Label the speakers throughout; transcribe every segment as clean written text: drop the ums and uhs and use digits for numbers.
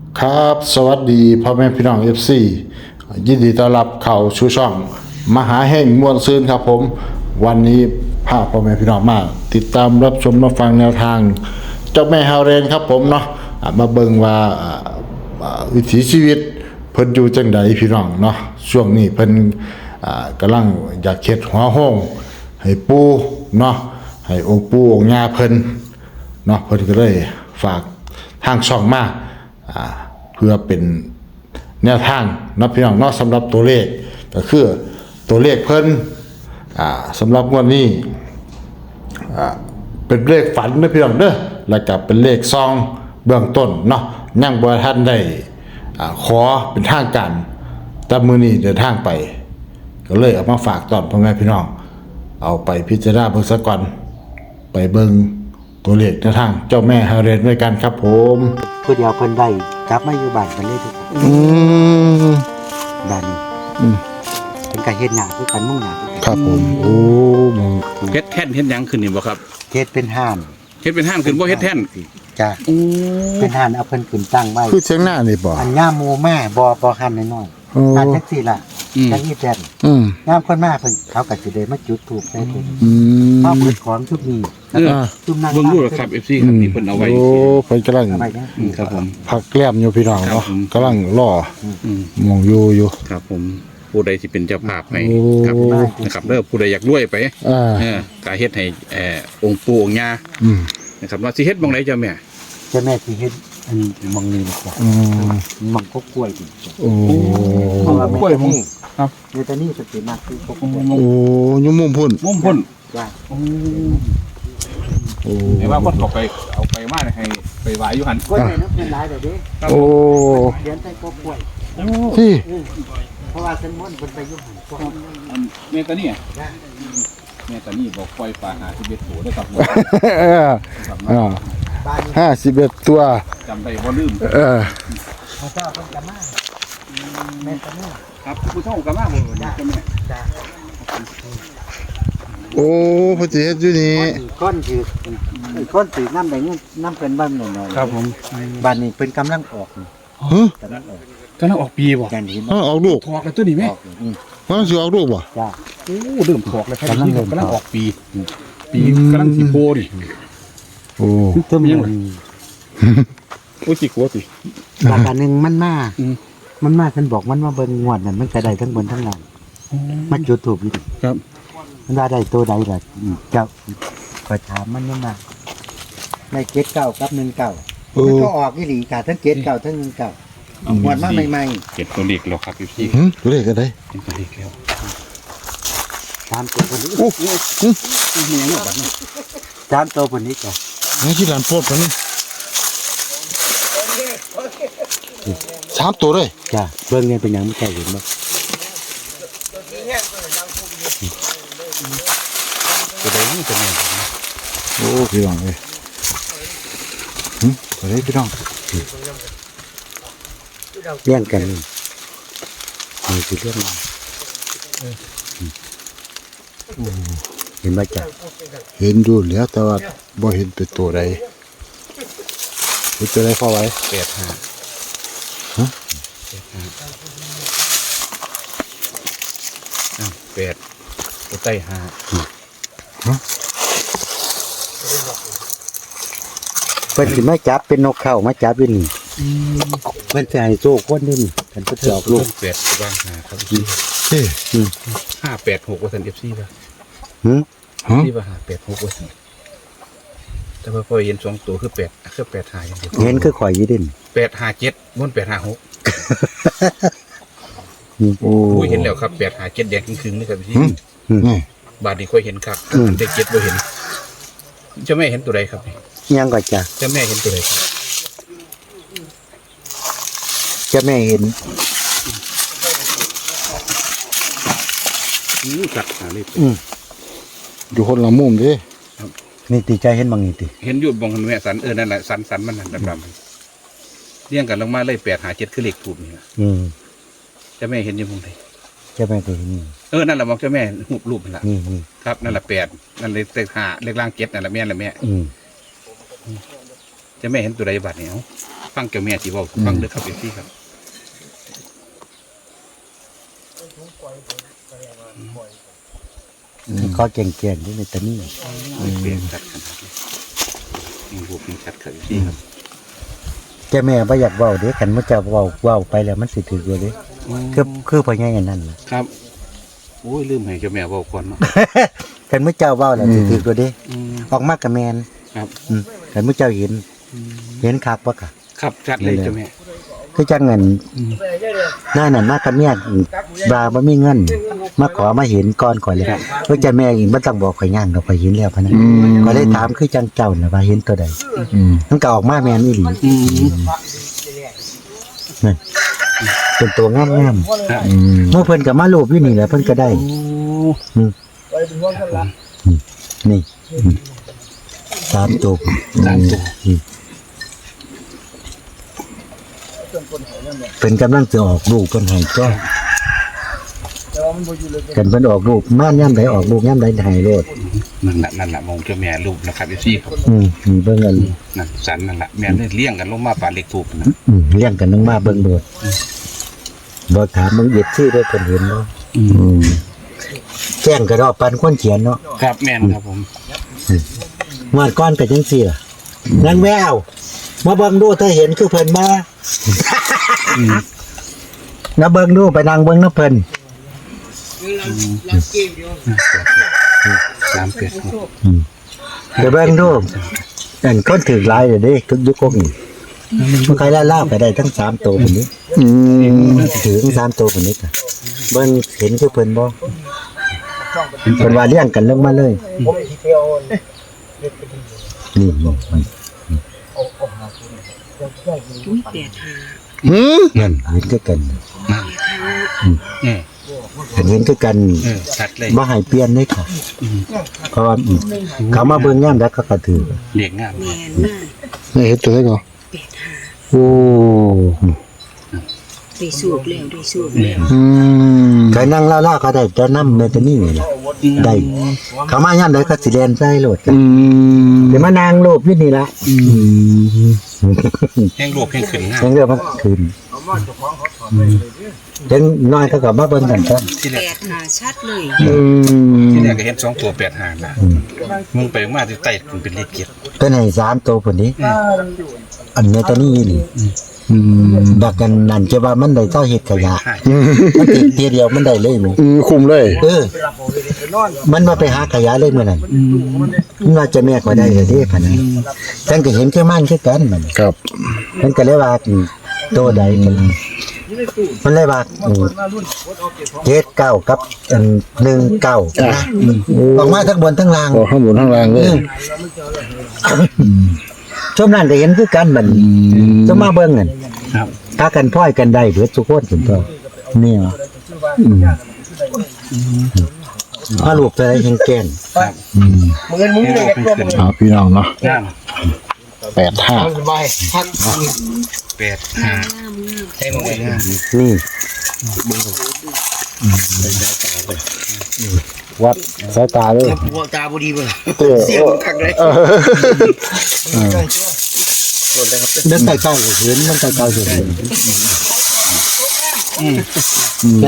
Speaker 1: ครับสวัสดีพ่อแม่พี่น้อง FC ยินดีต้อนรับเข้าสู่ช่องมหาแห่งม่วนซื่นครับผมวันนี้พาพ่อแม่พี่น้องมาติดตามรับชมรับฟังแนวทางเจ้าแม่ฮาวเรนครับผมเนาะมาเบิ่งว่าวิถีชีวิตเพิ่นอยู่จังใดพี่น้องเนาะช่วงนี้เพิ่นกำลังอยากเฮ็ดหัวห้องให้ปู่เนาะให้องค์ปู่องค์ย่าเพิ่นเนาะเพิ่นก็เลยฝากทางช่องมาเพื่อเป็นแนวทางนะพี่น้องเนาะสำหรับตัวเลขก็คือตัวเลขเพิ่นสำหรับงวดนี้เป็นเลขฝันนะพี่น้องเด้อแล้วก็เป็นเลขซองเบื้องต้นเนาะยังบ่ทันได้ขอเป็นทางการแต่มื้อนี้เดินทางไปก็เลยเอามาฝากตอนพ่อแม่พี่น้องเอาไปพิจารณาเบิ่งซะก่อนไปเบิ่งตัวเลขแนวทางเจ้าแม่ฮาเรนด้วยกันครับผม
Speaker 2: ผู้เดียวเพิ่นได้กลับมาอยู่บ้านกันเลยทุกคนบ้านนี้เป็นการเฮ็ดหน้าคือกันมุ่งหน้า
Speaker 1: ครับผมโอ้มอง
Speaker 3: เฮ็ดแท่นเฮ็ดหยังขึ้นนี่บ่ครับ
Speaker 2: เฮ็ดเป็นห้าน
Speaker 3: เฮ็ดเป็นห้างขึ้นบ่เฮ็ดแท่น
Speaker 2: จ้ะเป็นห้านเอาเพิ่นขึ้นตั้งไว้
Speaker 1: คือเชียงหน้านี่บ่
Speaker 2: อันย่าหมู่แม่บ่ห้านน้อยๆห้านจังซี่ล่ะจังนี้แท่นยามคนมาเพิ่นเขาก็สิได้มาจุดธูปใส่เพิ่นพอเปิดของชุดนี้ชุดนั้น
Speaker 3: เบิ่งดูล่ะครับ FC ครับนี่เพิ่นเอาไว้
Speaker 1: โอ้เพิ่นกำลัง
Speaker 3: ครับผม
Speaker 1: พักแกล้มอยู่พี่น้องเนาะกำลังรอมองอยู่
Speaker 3: ครับผมผู้ใดสิเป็นเจ้าภาพให้ครับนะครับเด้อผู้ใดอยากรวยไปก็เฮ็ดให้องค์ปู่องค์ย่านะครับว่าสิเฮ็ดบ่งใดเจ้าแม่
Speaker 2: สิเฮ็ดอันมองนี้ดีกว่ามองกกล้วยดี
Speaker 1: โอ้
Speaker 2: กล้วยนี่ครับในตอนนี้สติมากคือกกล้วย
Speaker 1: โอ้ยุ่มมุมพุ่น
Speaker 2: จ้ะ
Speaker 3: โอ้ไอ้ว่าคนเอาไปมาให้ไปไหว้อยู่หั่น
Speaker 2: กล้วยน้ำเป็นหลายเด้อเด้
Speaker 1: โอ้
Speaker 2: เดี๋ยวใส่กกล้วย
Speaker 1: ที่
Speaker 2: เพราะว่าเส้นม้วนเพิ่นไปอยู่หั่นกล้วย
Speaker 3: แม่ตานี่บอกปล่อยปลาหา11ตัวได้ครับ
Speaker 1: 51ตัว
Speaker 3: จำได้บ่ลืม
Speaker 2: พระเจ้าเพิ่นก็มาแม่ตานี่
Speaker 3: ครับผู้เฒ่าก็มาบ่จ้ะแม่
Speaker 2: จ้ะ
Speaker 1: โอ้พระเจ้าอยู่นี่
Speaker 2: ก้อนถือน้ำได้เงินน้ำเพิ่นบ้านหน่อย
Speaker 3: ครับผม
Speaker 2: บ้านนี้เพิ่นกำลังออก
Speaker 3: กำลังออกปีบ่
Speaker 2: อย่างนี้
Speaker 1: ออกลูก
Speaker 3: ถอกแล้วตัวนี้แม่
Speaker 1: มันสิออกลูกบ่
Speaker 2: จ้ะ
Speaker 3: โอ้เริ่มถอกแล้วครับกำลังออกปีกำลังสิโพดิ
Speaker 1: โอ้
Speaker 2: เติมยัง
Speaker 3: โอ้สิกลัวสิ
Speaker 2: บางอันนึงมันมาเพิ่นบอกมันมาเบิ่งงวดนั่นมันก็ได้ทั้งบนทั้งล่างมันจุดถูกอยู่
Speaker 3: ครับ
Speaker 2: มันว่าได้ตัวใดล่ะเจ้าก็ถามมันมาได้เจ็ดเก้ากับ19มันก็ออกอีหลีค่ะทั้งเจ็ดเก้าทั้ง19งวดมาใหม่
Speaker 3: ๆเจ็ดตัวเลขแล้วครับพี่
Speaker 1: เลขอะไร
Speaker 3: เป็นตัวเลขแล้ว
Speaker 2: ตามตัวคนนี้
Speaker 3: โอ้มีอย่างนี้บัดนี้
Speaker 2: ตามตัวคนนี้จ้ะ
Speaker 1: นี่ที่ร้านโพดนี่3ตัวเลย
Speaker 2: จ้ะเบิ่งเนี่ยเป็นหยังไม่ใช่เห็นบ่
Speaker 3: ตัวใดนี่ตัวนี้
Speaker 1: โอ้พี่น้องเอ้ยตัวใดพี่น้อง
Speaker 2: เลี้ยงกันนี่คือเรื่องเห็นบ่จ้ะ
Speaker 1: เห็นดูแล้วแต่ว่าบ่เห็นเป็นตัวใดเป็นตัวใดพอไว้
Speaker 3: 85ฮะ8ตัวใต้5
Speaker 2: เพิ่นสิมาจับเป็นนกเข้ามาจับอยู่นี่เพิ่นสิให้โชคคนนี่เพิ่นจะออกลูก
Speaker 3: 8ตัว5ครับ586ว่าซั่น FC ป่ะที่ว่า586ว่าซั่นแต่ว่าพอเห็น2ตัวคือ8อย่างเดียว
Speaker 2: เห็นคือข่อยอยู่ดิ
Speaker 3: 857บ่856โอ้ยเห็นแล้วครับ857แดงครึ่งๆนี่ครับพี่บาดนี้ค่อยเห็นครับได้7บ่เห็นเจ้าแม่เห็นตัวใดครับ
Speaker 2: ยังก็จ้ะ
Speaker 3: เจ้าแม่เห็นตัวใดครับ
Speaker 2: จะแม่เห็น
Speaker 3: กัดหาเลย
Speaker 1: อยู่คนละมุมดิ
Speaker 2: นี่ตีใจเห็นบางนี่ติ
Speaker 3: เห็นอยู่บางแม่สันนั่นแหละสันมันนั่นดำๆเรียงกันลงมาเลย857คือเลขถูกนี่นะเจ้าแม่เห็นอยู่มุมใด
Speaker 2: เจ้าแม่ก็เห็น
Speaker 3: นั่นแหละมองเจ้าแม่รูปนั่นแหละครับนั่นแหละ8นั่นเลยเลข5เลขล่าง7นั่นแหละแม่นั่นแหละแม่เจ้าแม่เห็นตัวใดบัดเนี่ยฟังเจ้าแม่ที่เว้าฟังเด้อครับพี่ครับ
Speaker 2: ก็เก่งๆนี่ในตอนนี้
Speaker 3: เปลี่ยนชัดขนาดนี้ยังรูปยังชัดครับพี่ครับ
Speaker 2: เจ้าแม่บ่อยากเว้าเด้คันมันจะเว้าไปแล้วมันสิถืออยู่เด้คือพ่อใหญ่อันนั้นน่ะ
Speaker 3: ครับโอ้ยลืมให้เจ้าแม่เว้าก่อนเนาะ
Speaker 2: คันมื้อเจ้าเว้าแล้วสิถืออยู่เด้ออกมาก็แม่น
Speaker 3: ครับ
Speaker 2: คันมื้อเจ้าเห็นคักบ่ค่ะ
Speaker 3: ครับชัดเลยเจ้าแม่
Speaker 2: คือจังเงินหน้านั่นมากับเมียบาบ่มีเงินมาขอมาเห็นก่อนข่อยเลยเพิ่นจะแม่อีกบ่ต้องบอกข่อยย่างดอกข่อยเห็นแล้วพะนะก็เลยถามคือจังเจ้าน่ะว่าเห็นตัวใดมันก็ออกมาแม่นอีหลีนั่นเป็นตัวงาม
Speaker 3: ครับ
Speaker 2: ๆเมื่อเพิ่นก็มารูปอยู่นี่แหละเพิ่นก็ได้นี่ตามตัว เป็นกำลังจะออกลูกเพิ่นให้ก็กันเพิ่นออกลูกม่านย่ำใดออกลูกย่ำใดให้โลด
Speaker 3: นั่นแหละมองเจ้าแม่รูปนะครับพี่ครับ
Speaker 2: เบิ่งกัน
Speaker 3: นั่นสันนั่นแหละแม่เลยเลี้ยงกันลงมาป่าเล็กถูกนะ
Speaker 2: เลี้ยงกันลงมาเบิ่งโลดบ่ถามมึงเอ็ดชื่อได้เพิ่นเห็นเนาะแจ้งก็ดอกปันคนเขียนเนาะ
Speaker 3: ครับแม่นครับผม
Speaker 2: งวดก่อนก็จังซี่ล่ะนางแววมาเบิ่งดูถ้าเห็นคือเพิ่นมานะเบิ่งดูไปนั่งเบิ่งนะเพิ่น
Speaker 3: 3 เป็ด
Speaker 2: เดี๋ยวเบิ่งดูอันคนถือหลายเด้อเด้ทุกยุคนี้มันใครล่าๆไปได้ทั้ง3ตัวพุ่นนี้ถือทั้ง3ตัวพุ่นนี้ค่ะเบิ่งเห็นคือเพิ่นบ่เพิ่นว่าเลี้ยงกันลงมาเลยนี่ นั่นเห็นคือกัน
Speaker 3: เออ
Speaker 2: เห็นคือกัน
Speaker 3: ชัดเลย
Speaker 2: บ่ให้เปลี่ยนเลยค่ะเพราะว่าเขามาเบิ่งยามแล้วเขาก็ถือ
Speaker 3: เลี้ยงงาม
Speaker 4: แมนมาก
Speaker 1: นี่เฮ็ดตัวได้ก่อน
Speaker 4: 85
Speaker 1: โอ้
Speaker 4: ได้สูบแล้วได้สูบแล้ว
Speaker 2: ใครนั่งล่าๆก็ได้จะนำเมตานี่นี่ล่ะได้เขามายามใดก็สิเรียนใส่โลดกันเดี๋ยวมานางรูปอยู่นี่ล่ะ
Speaker 3: แห้งรูปแห้งขึ้นงาม
Speaker 2: ยังเรียกว่าคืนเห็นน้อยเขาก็มาเบิ่งกันซะ
Speaker 3: ที่แรก
Speaker 4: 85ชัดเลย
Speaker 3: ที่แรกก็เห็น2 ตัว8 หางนะมึงไปมาที่ใต้มันเป็นเลขเกียรติ
Speaker 2: เป็นให้3ตัวพุ่นนี้อันเมตานี่นี่บักกันนั่นจะว่ามันได้เท่าเฮ็ดขยะมันติดเทียเดียวมันได้เลยมั้ย
Speaker 1: คุมเลย
Speaker 2: มันมาไปหาขยะเลยมื้อนั้นมันว่าจะแม่ก็ได้เลยเด้พะนะท่านก็เห็นคือมันคือกันมัน
Speaker 1: ครับ
Speaker 2: มันก็เลยว่าตัวใดกันมันเลยว่า79กับ19นะออกมาทั้งบนทั้งล่าง
Speaker 1: โอ้ข้างบนข้างล่างเลย
Speaker 2: ช่วงนั้นก็เห็นคือกันมันจะมาเบิ่งกัน
Speaker 3: ครับ
Speaker 2: ถ้ากันพ้อยกันได้เบิดทุกคนถึงก็นี่ว่ะถ้าลูกจะได้แข็งแกร่ง
Speaker 3: ครับ
Speaker 4: มือมึงเลย
Speaker 3: แห้งขึ้น
Speaker 1: พี่น้องเนาะ
Speaker 3: งาม
Speaker 1: 85
Speaker 4: สบายพัก
Speaker 3: 8 หาง
Speaker 4: ให้มึงเลยนะ
Speaker 2: นี่
Speaker 1: วัดสายตาเลย
Speaker 4: หัวตาบุดีเบิ่ง
Speaker 1: เต้
Speaker 4: เสียงคักเลย
Speaker 2: เดินใกล้ๆก็เห็นมันใกล้ๆก็เห็นได้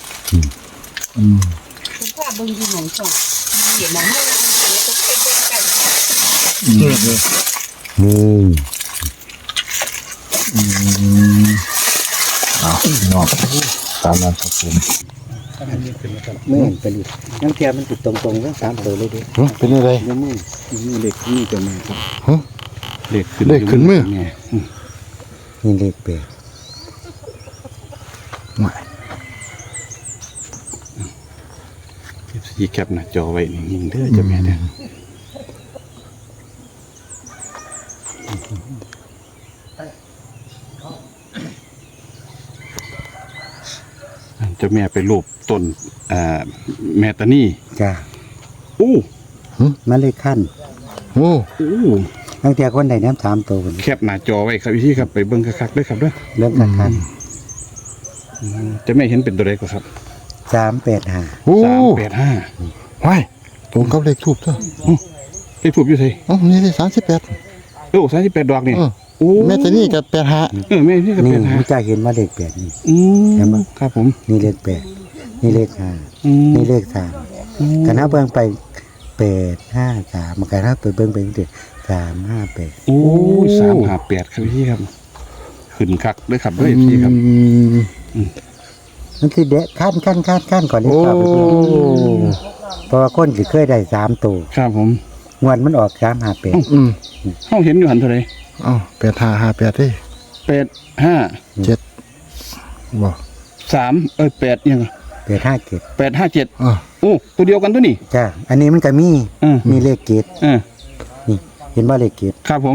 Speaker 4: คุณพ่อเบิ่งอยู่หนองสองเห็นหนองเฮาต้องเป็นเบิ่งกัน
Speaker 2: นี่
Speaker 1: น้องตามนั้นครับผม
Speaker 2: ไม่เห็นเป็นอีกน้ำเทียมมันติดตรงๆทั้ง3ตัวเลยดิ
Speaker 1: เป็นอะไร
Speaker 2: ยังมือเล็กนี่ตัวนี้ครับ
Speaker 3: เลขขึ้น
Speaker 1: เลขขึ้นมือ
Speaker 3: แม่
Speaker 2: นี่เลขแปด
Speaker 3: ที่แคปหน้าจอไว้นิ่งๆเด้อเจ้าแม่เด้อเจ้าแม่ไปรูปต้นแมตานี่
Speaker 2: จ้า
Speaker 3: อู้
Speaker 2: มันเลยขั้น
Speaker 1: โอ้
Speaker 3: อู้
Speaker 2: น้ำเทียคนใดน้ำ3ตัวคน
Speaker 3: แคปหน้าจอไว้ครับพี่ครับไปเบิ่งคักๆเด้อครับเด้อ
Speaker 2: เริ่มขั้น
Speaker 3: เจะไม่เห็นเป็นตัวเลขครับ
Speaker 2: 385
Speaker 1: โอ้
Speaker 3: 385
Speaker 1: ว้ายตรงกับเลขทูบตัว
Speaker 3: เลขถูกอยู่ไส
Speaker 1: อ๋อนี่ได้38
Speaker 3: โอ้38ดอกนี่
Speaker 1: เออ
Speaker 3: โอ้
Speaker 1: แม่ตานี่กับแปดหา
Speaker 3: แม่นี่ก็
Speaker 2: นี่
Speaker 3: เป็นหา
Speaker 2: มันจะเห็นว่าเลขแปดนี่
Speaker 3: เห็นไหมครับผม
Speaker 2: นี่เลขแปดนี่เลขห้า นี่เลขสามกันถ้าเบิ่งไป853มันกันถ้าไปเบิ่งไปจังซี่358
Speaker 3: โอ้ย358ครับพี่ครับขึ้นคักด้วยครับด้วยพี่ครับ
Speaker 2: มันสิเดะขั้นก่อนเลข
Speaker 1: โอ้
Speaker 2: เก้าไปเบิ่งเพราะว่าคนสิเคยได้3ตัว
Speaker 3: ครับผม
Speaker 2: งวดมันออก358
Speaker 1: อืม
Speaker 3: เฮาเห็นอยู่หันเท่าไหร่
Speaker 1: เอ้าแปดหาหาแปดเด้
Speaker 3: 85
Speaker 1: เจ็ดบ่
Speaker 3: 3 8ยัง
Speaker 2: 857
Speaker 3: 857
Speaker 1: อ่ะ
Speaker 3: โอ้ตัวเดียวกันตัวนี้
Speaker 2: จ้าอันนี้มันก็มี มีเลขเกต
Speaker 3: อ่า
Speaker 2: นี่ เห็นว่าเลขเกต
Speaker 3: ครับผม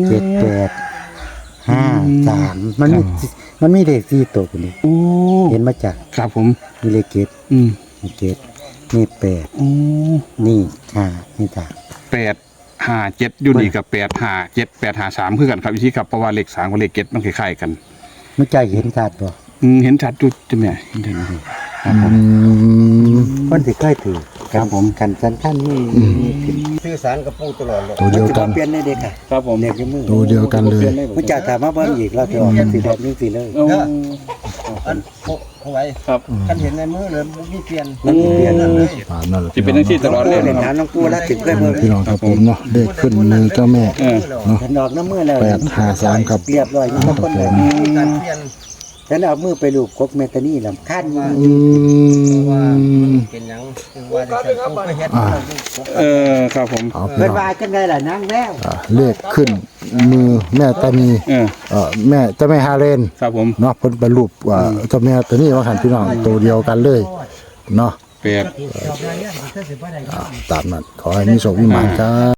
Speaker 2: 7853มันมีเลข4ตัวคนนี้
Speaker 3: โอ้
Speaker 2: เห็นมาจาก
Speaker 3: ครับผม
Speaker 2: มีเลขเกต มีเกตมี8
Speaker 3: โอ้
Speaker 2: นี่5นี่3
Speaker 3: 857อยู่นี่กับ857 853คือกันครับพี่ครับเพราะว่าเลข3กับเลข7มันคล้ายๆกัน
Speaker 2: มันใจเห็นชัดบ่
Speaker 3: เห็นชัดจุดจ้ะแม่เห็นได้ไหมครับผม
Speaker 2: คนสิเคยถือ
Speaker 3: ครับผม
Speaker 2: กันสันขั้นนี่สื่อสารกับปู่ตลอดเลย
Speaker 1: ตัวเดียวกัน
Speaker 2: มัสิบ่เปลี่ยนในเด็กค่ะ
Speaker 3: ครับผม
Speaker 2: เด็กในมือ
Speaker 1: ตัวเดียวกันเลย
Speaker 2: มันจะถามมาเบิ่งอีกแล้วสิออกสิแบบนี้สิเลย
Speaker 5: อันเอาไว้
Speaker 3: ครับ
Speaker 5: คันเห็นในมือเลยมันมีเปลี่ยน
Speaker 2: มันสิเปลี่ยนนั่นเลย
Speaker 1: อ่านั่นแหละ
Speaker 3: ที่เป็นหน้าที่ตลอดเลย
Speaker 2: เล่น
Speaker 3: นะค
Speaker 2: ถา
Speaker 3: รับ
Speaker 2: มน้องปู่แล้วสิเคยเบิ่ง
Speaker 1: พี่น้องครับผมเนาะเลขขึ้นมือเจ้าแม่
Speaker 3: เออ
Speaker 1: เนาะ
Speaker 2: ฉันออกน้ำมือแล้ว
Speaker 1: 853ครับ
Speaker 2: เรียบร้อยมีคนเลย
Speaker 5: มีการเปลี่ยน
Speaker 2: ฉันเอามือไปลูบกบเมตานี่ลำคัน
Speaker 1: อืม
Speaker 5: เป็นหยังว่าจะใส่ผู้ไปเฮ็ด
Speaker 3: ครับผม
Speaker 1: เอาพี่
Speaker 2: เพิ่น
Speaker 1: น้อง
Speaker 2: ว่าจังไดล่ะนางแล้ว
Speaker 1: เลขขึ้นมือแม่ตานี แม่เจ้าแม่ฮาเรน
Speaker 3: ครับผม
Speaker 1: เนาะเพิ่นบรรลุเจ้าแม่ตัวนี้ว่าหันพี่น้องตัวเดียวกันเลยเนาะ
Speaker 3: 8
Speaker 1: ตามนั้นขอให้มีโชคมีหมานครับ